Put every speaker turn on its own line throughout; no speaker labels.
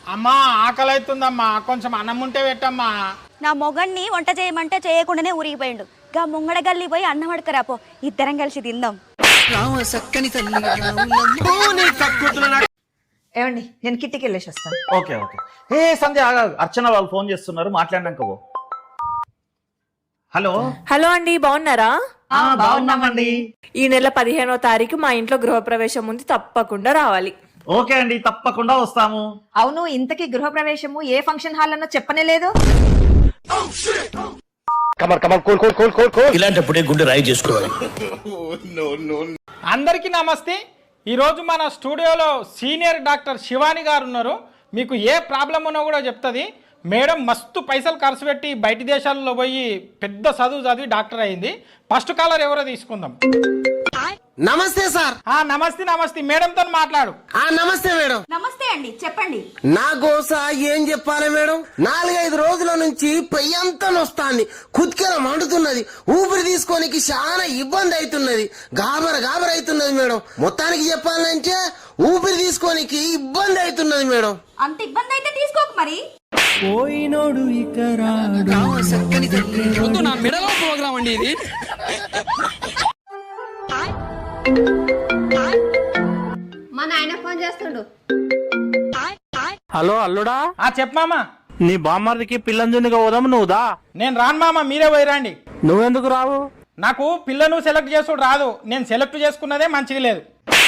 అమ్మా ఆకలి అవుతుందమ్మా, కొంచెం అన్నం ఉంటే పెట్టమ్మా.
నా మొగన్ని వంట చేయమంటే చేయకుండానే ఊరిగిపోయిండు. గా ముంగడ గల్లి పోయి అన్నం అడకరాపో, ఇద్దరం కలిసి తిందాం.
ఏమండి, నేను కిట్టికి వెళ్ళేసి వస్తాను.
Okay okay. ఏ సంధ్య, అర్చన వాళ్ళు ఫోన్ చేస్తున్నారు, మాట్లాడినాక పో. హలో
హలో అండి, బాగున్నారా?
బాగున్నామండి.
ఈ నెల 15వ తారీఖు మా ఇంట్లో గృహప్రవేశం ఉంది, తప్పకుండా రావాలి.
ఓకే అండి, తప్పకుండా వస్తాము.
అవును, ఇంతకీ గృహప్రవేశము ఏ ఫంక్షన్ హాల్ అన్నో చెప్పనే లేదు.
ఇలాంటప్పుడే గుండె రాయి చేసుకోవాలి.
అందరికీ నమస్తే. ఈరోజు మన స్టూడియోలో సీనియర్ డాక్టర్ శివాని గారు ఉన్నారు. మీకు ఏ ప్రాబ్లం ఉన్నా కూడా చెప్తుంది. మేడం మస్తు పైసలు ఖర్చు పెట్టి బయట దేశాల్లో పోయి పెద్ద చదువు చదివి డాక్టర్ అయింది. ఫస్ట్ కాలర్ ఎవరో తీసుకుందాం.
నమస్తే సార్.
నమస్తే నమస్తే, మేడంతో మాట్లాడు.
నమస్తే మేడం.
నమస్తే అండి, చెప్పండి.
నా గోస ఏం చెప్పాలి మేడం, 4-5 రోజుల నుంచి పెయ్యంతా నొస్తాంది, కుత్కెల మండుతున్నది, ఊపిరి తీసుకోనికి చాలా ఇబ్బంది అవుతున్నది, గాబర అవుతున్నది మేడం. మొత్తానికి చెప్పాలంటే ఊపిరి తీసుకోనికి ఇబ్బంది అవుతున్నది మేడం.
అంత ఇబ్బంది అయితే తీసుకోకు మరి.
పోయినోడు ఇక రాడు.
ప్రోగ్రామ్ అండి ఇది.
మా నాయన ఫోన్ చేస్తుండు.
హలో అల్లుడా.
చెప్పమామా.
నీ బామ్మర్దికి పిల్లంజునిగా పోదాం, నువ్వు దా.
నేను రాను మామ, మీరే పోయిరండి.
నువ్వెందుకు రావు?
నాకు పిల్లను సెలెక్ట్ చేసుడు రాదు. నేను సెలెక్ట్ చేసుకున్నదే మంచిగా లేదు.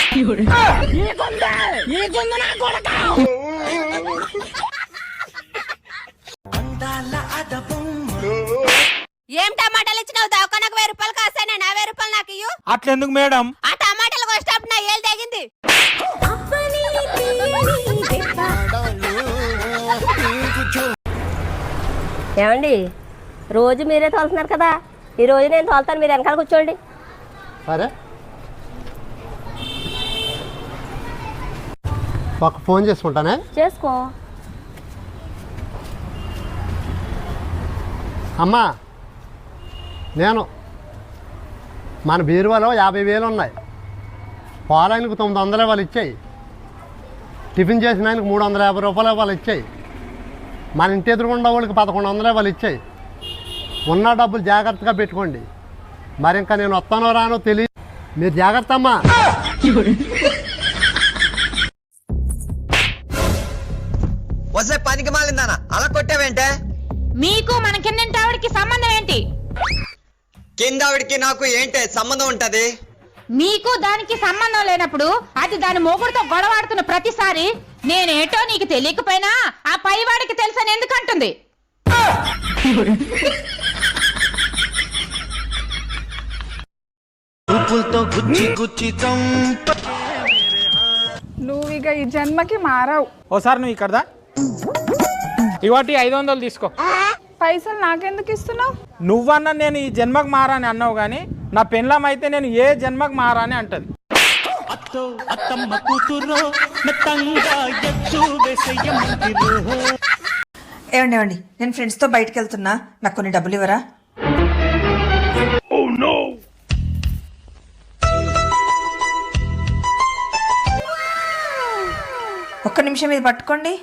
ఏం టమాటాలు ఇచ్చినావు? దవాఖానకు 1000 రూపాయలు కాస్తానే, నా 1000 రూపాయలు నాకు ఇయ్యు.
అట్లెందుకు మేడం?
ఆ టమాటాలు కోసేటప్పుడు నా ఏళ్ళు తెగింది. ఏమండి, రోజు మీరే తోలుతున్నారు కదా, ఈ రోజు నేను తోలుతాను, మీరు వెనకాల కూర్చోండి.
సరే, ఒక ఫోన్ చేసుకుంటానే.
చేసుకో.
అమ్మా, నేను మన బీరువాలో 50,000 ఉన్నాయి. పాలైనకు 900 వాళ్ళు ఇచ్చాయి, టిఫిన్ చేసిన ఆయనకు 350 రూపాయలు వాళ్ళు ఇచ్చాయి, మన ఇంటి ఎదురుగుండా వాళ్ళకి 1100 వాళ్ళు ఇచ్చాయి. ఉన్న డబ్బులు జాగ్రత్తగా పెట్టుకోండి. మరి ఇంకా నేను వస్తానో రానో తెలియదు, మీరు జాగ్రత్త అమ్మా.
వస్తే పనికి మాలిందానా అలా కొట్టావేంటే?
మీకు మన కిందంటావిడికి సంబంధం ఏంటి?
కిందావిడికి నాకు ఏంటే సంబంధం ఉంటది?
మీకు దానికి సంబంధం లేనప్పుడు అది దాని మొగుడుతో గొడవాడుతున్న ప్రతిసారి నేనేటో నీకు తెలియకపోయినా ఆ పైవాడికి తెలుసని ఎందుకంటుంది?
నువ్వు ఇక ఈ జన్మకి మారావు.
ఓసారి నువ్వు ఇక్కడదా, ఇవాటి 500 తీసుకో.
పైసలు నాకెందుకు ఇస్తున్నావు?
నువ్వన్నా నేను ఈ జన్మకు మారాని అన్నావు, కానీ నా పెళ్ళం అయితే నేను ఏ జన్మకు మారాని అంటది.
ఏమండి, నేను ఫ్రెండ్స్తో బయటకు వెళ్తున్నా, నాకు కొన్ని డబ్బులు ఇవ్వరా? ఒక్క నిమిషం ఇది పట్టుకోండి.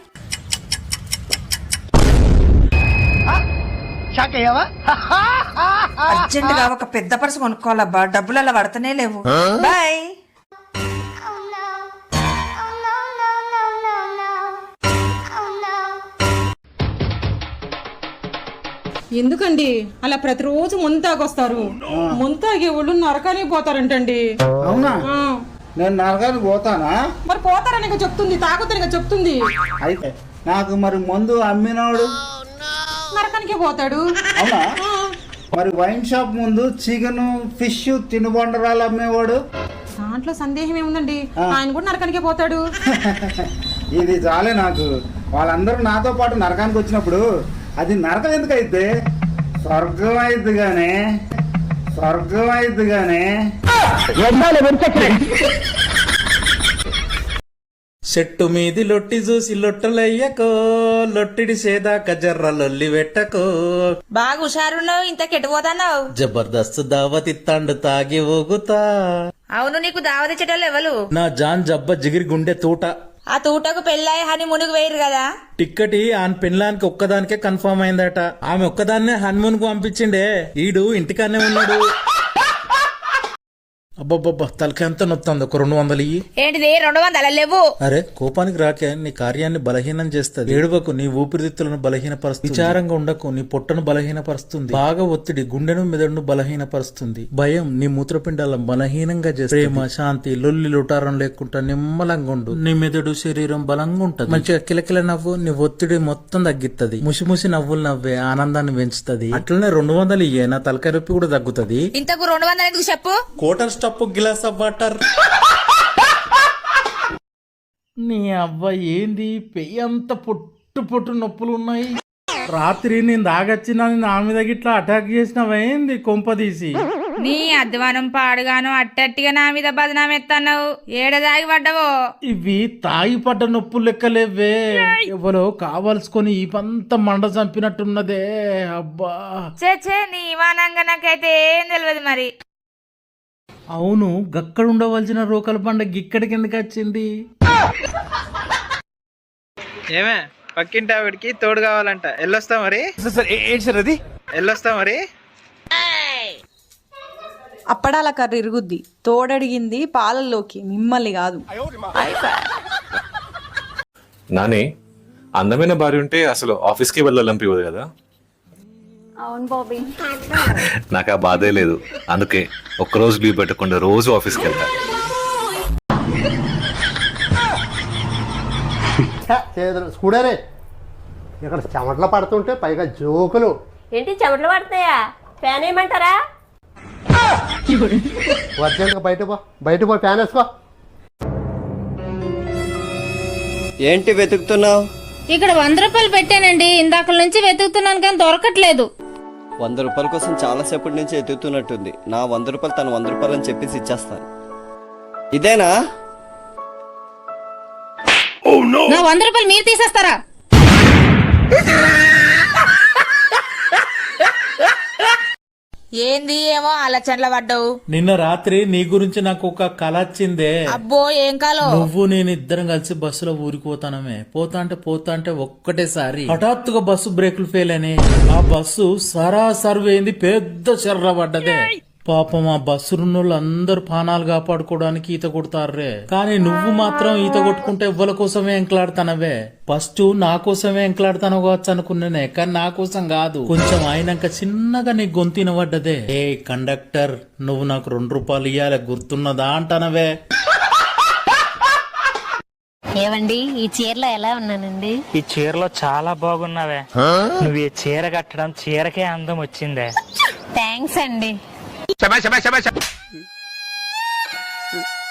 అర్జెంటుగా ఒక పెద్ద పర్సు కొనుక్కోవాలబ్బా, డబ్బులు అలా పడతనే లేవు. బాయ్.
ఎందుకండి అలా ప్రతిరోజు ముంతాగొస్తారు? ముంతాగే ఒళ్ళు నరకానికి పోతారంటండి.
అవునా? నేను నరకానికి పోతానా?
మరి పోతారని చెప్తుంది, తాగుతారని చెప్తుంది.
అయితే నాకు మరి మందు అమ్మినోడు
నరకానికి పోతాడు.
అవునా? మరి వైన్ షాప్ ముందు చికెన్ ఫిష్ తినుబండరాలు అమ్మేవాడు?
దాంట్లో సందేహం ఏముందండి, ఆయన కూడా నరకానికి పోతాడు.
ఇది చాలే నాకు. వాళ్ళందరూ నాతో పాటు నరకానికి వచ్చినప్పుడు అది నరకం ఎందుకు అయితే? స్వర్గం అయిద్ది గానే, స్వర్గం అయిద్ది గానే.
చెట్టు మీది లొట్టి చూసి లొట్టలయ్యకో, లొట్టిడి సేదాక జర్ర లొల్లి పెట్టకో.
బాగా హుషారున్నావు, ఇంత కెట్టుపోతాన్నావు.
జబర్దస్త్ దావతి తండు తాగి ఊగుతా.
అవును, నీకు దావతిచ్చేటోళ్ళు ఎవరు?
నా జాన్ జబ్బ జిగిరి గుండె తూట.
ఆ తూటకు పెళ్ళాయి హని మునుగు వేయరు కదా.
టిక్కెట్ ఆన్ పెళ్ళానికి ఒక్కదానికే కన్ఫర్మ్ అయిందట. ఆమె ఒక్కదాన్నే హనుమూన్ కు పంపించిండే. ఈడు ఇంటికాన్నే ఉన్నాడు. అబ్బబ్బబ్బా తలకి ఎంత నొత్తంది. ఒక 200 ఇయ్యి.
ఏంటిది 200 లేవు?
అరే కోపానికి రాకే నీ కార్యాన్ని బలహీనం చేస్తుంది. ఏడువకు, నీ ఊపిరితిత్తులను బలహీనపరుస్తుంది. విచారంగా ఉండకు, నీ పొట్టను బలహీనపరుస్తుంది. బాగా ఒత్తిడి గుండెను మెదడును బలహీనపరుస్తుంది. భయం నీ మూత్రపిండాలను బలహీనంగా చేస్తుంది. ప్రేమ శాంతి లొల్లి లుటారం లేకుండా నిమ్మలంగా ఉండు. నీ మెదడు శరీరం బలంగా ఉంటది. మంచిగా కిలకిల నవ్వు, నీ ఒత్తిడి మొత్తం తగ్గిస్తుంది. ముసిముసి నవ్వులు నవ్వే ఆనందాన్ని పెంచుతుంది. అట్లనే 200 ఇయ్యే, నా తలకాయ నొప్పి కూడా తగ్గుతుంది.
ఇంతకు 200 ఎందుకు చెప్పు?
Quarter stuff glass of water. నీ అవ్వ ఏంది పెయ్యి అంత పొట్టు పొట్టు నొప్పులు ఉన్నాయి. రాత్రి నేను దాగొచ్చినా నా మీద గిట్లా అటాక్ చేసినవేంది కొంపదీసి?
నీ అధ్వానం పాడుగాను అట్టట్టిగా నా మీద బదనాం ఎత్తన్నావు. ఏడదాగి పడ్డవో?
ఇవి తాగి పడ్డ నొప్పులు లెక్కలేవే. ఎవరో కావాల్సుకొని ఈ పంత మండ చంపినట్టున్నదే. అబ్బా
చే నీ ఇవానంగా నాకైతే ఏం తెలియదు మరి.
అవును, గక్కడ ఉండవలసిన రోకల పండుగ ఇక్కడికి ఎందుకు వచ్చింది?
ఏమే పక్కింటి ఆవిడికి తోడు కావాలంట. ఎల్లొస్తా మరి? ఎల్లొస్తా మరి?
అప్పడాల కర్రీ ఇరుగుద్ది. తోడడిగింది పాలల్లోకి, మిమ్మల్ని కాదు.
నాని, అందమైన భార్య ఉంటే అసలు ఆఫీస్కి వెళ్ళాలనిపించదు కదా?
అవును బాబీ.
నాకు ఆ బాధే లేదు. అందుకే ఒక్కరోజు లీవ్ పెట్టకుండా రోజు ఆఫీస్కి వెళ్తా.
స్కూడరే ఇక్కడ చెమటలు పడుతుంటే పైగా జోకులు.
ఏంటి చెమటలు పడతాయా? ఫ్యాన్ ఏమంటారా?
అర్జెంట్గా బయట పో ఫ్యాన్ వేసుకో.
ఏంటి వెతుకుతున్నావు?
ఇక్కడ 100 రూపాయలు పెట్టానండి. ఇందాక నుంచి వెతుకుతున్నాను కానీ దొరకట్లేదు.
100 రూపాయల కోసం చాలాసేపటి నుంచి ఎత్తుతున్నట్టుంది. నా 100 రూపాయలు తను 100 రూపాయలు అని చెప్పేసి ఇచ్చేస్తాను. ఇదేనా?
నా 100 రూపాయలు మీరు తీసేస్తారా? ఏంది ఏమో ఆలోచనలో పడ్డావు.
నిన్న రాత్రి నీ గురించి నాకు ఒక కల వచ్చిందే.
అబ్బో ఏం కాలో?
నువ్వు నేను ఇద్దరం కలిసి బస్సులో ఊరికి పోతానమే. పోతా అంటే ఒక్కటేసారి హఠాత్తుగా బస్సు బ్రేకులు ఫెయిల్ అయినాయి. ఆ బస్సు సరాసరి పోయింది, పెద్ద చెర్ర పడ్డదే. పాపం ఆ బస్సు రున్నోళ్ళు అందరు ప్రాణాలు కాపాడుకోవడానికి ఈత కొడతారే. కానీ నువ్వు మాత్రం ఈత కొట్టుకుంటే ఎవ్వల కోసమే ఎంకలాడుతానవే. ఫస్ట్ నా కోసమే ఎంకలాడుతాను కావచ్చు అనుకున్నానే, కానీ నా కోసం కాదు. కొంచెం అయినాక చిన్నగా నీ గొంతిన పడ్డదే. ఏ కండక్టర్, నువ్వు నాకు 2 రూపాయలు ఇయ్యాలి గుర్తున్నదా అంటానవే.
ఏవండి ఈ చీరలో ఎలా ఉన్నానండి?
ఈ చీరలో చాలా బాగున్నావే. నువ్వు ఈ చీర కట్టడం చీరకే అందం వచ్చిందే.
థ్యాంక్స్ అండి.